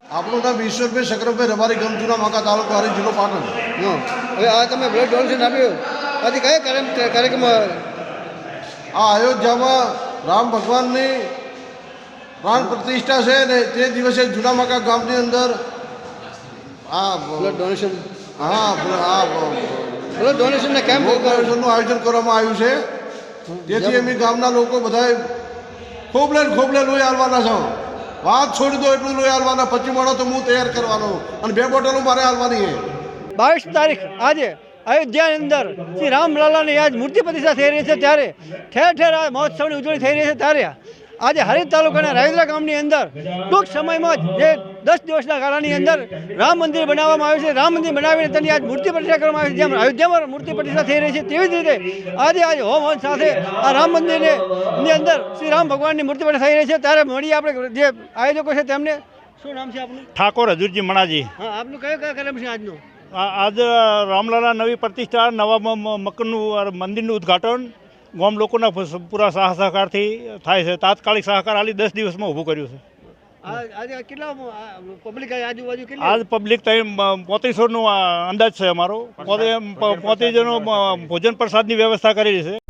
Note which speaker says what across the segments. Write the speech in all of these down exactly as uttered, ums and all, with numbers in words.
Speaker 1: આપણું નામ ઈશ્વરભાઈ શકરભાઈ રબારી ગામ જૂના માકા તાલુકો હારી જિલ્લો પાટણ.
Speaker 2: હા, હવે આ તમે બ્લડ ડોનેશન આપ્યું, આજે કયા કાર્ય કાર્યક્રમ?
Speaker 1: આ અયોધ્યામાં રામ ભગવાનની પ્રાણ પ્રતિષ્ઠા છે ને તે દિવસે જૂના માકા ગામની અંદર આ
Speaker 2: બ્લડ ડોનેશન
Speaker 1: હા આ
Speaker 2: બ્લડ ડોનેશનના કેમ્પ
Speaker 1: ડોનેશનનું આયોજન કરવામાં આવ્યું છે. તેથી અમે ગામના લોકો બધાએ ખોબલે ને ખોબલે લોહી હાલવાના છો. વાત છોડી દો એટલું લોહી હાલવાના. પચીસ માણો તો હું તૈયાર કરવાનો અને બે બોટલો મારે હાલવાની છે.
Speaker 2: બાવીસ તારીખ આજે અયોધ્યાની અંદર શ્રી રામલાલાની આજ મૂર્તિ પ્રતિષ્ઠા થઈ રહી છે, ત્યારે ઠેર ઠેર આ મહોત્સવની ઉજવણી થઈ રહી છે. ત્યારે આજે હારીજ તાલુકાના રાયદરા ગામની અંદર ટૂંક સમયમાં જ જે દસ દિવસના ગાળાની અંદર રામ મંદિર બનાવવામાં આવ્યું છે. રામ મંદિર બનાવીને તેની આજ મૂર્તિ પ્રતિષ્ઠા કરવામાં આવી છે. જેમ અયોધ્યામાં મૂર્તિ પ્રતિષ્ઠા થઈ રહી છે, તેવી જ રીતે આજે આજે હોમ હવન સાથે આ રામ મંદિરની ની અંદર શ્રી રામ ભગવાનની મૂર્તિ પ્રતિષ્ઠા થઈ રહી છે. ત્યારે મળીએ આપણે જે આયોજકો છે તેમને. શું નામ છે આપનું?
Speaker 3: ઠાકોર હજુરજી મણાજી.
Speaker 2: હા, આપનું કયો કયો કાર્યક્રમ છે આજનો?
Speaker 3: આજ રામલાલા નવી પ્રતિષ્ઠા, નવા મકરનું મંદિરનું ઉદ્ઘાટન ગામ લોકોના પૂરા સાહ સહકારથી થાય છે. તાત્કાલિક સહકાર આલી દસ દિવસમાં ઊભું કર્યું છે.
Speaker 2: આજે કેટલા પબ્લિક આજુબાજુ કેટલી?
Speaker 3: આજ પબ્લિક પોત્રીસોનો અંદાજ છે અમારો. પોત્રીસ જણો ભોજન પ્રસાદની વ્યવસ્થા કરેલી છે.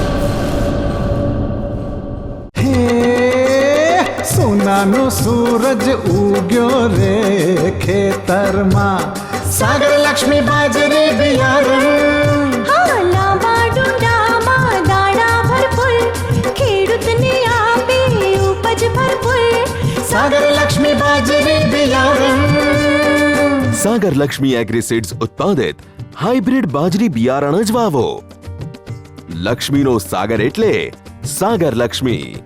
Speaker 4: સોનાનો સૂરજ ઉગ્યો રે ખેતરમાં, સાગર લક્ષ્મી બાજરી બિયારણ,
Speaker 5: હા, લાંબા ડુંડામાં દાણા ભરપૂર, ખેડૂતને આપે ઉપજ ભરપૂર.
Speaker 4: સાગર લક્ષ્મી બાજરી બિયારણ.
Speaker 6: સાગર લક્ષ્મી એગ્રીસીડ્સ ઉત્પાદિત હાઇબ્રિડ બાજરી બિયારણ જ વાવો. લક્ષ્મીનો સાગર એટલે સાગર લક્ષ્મી.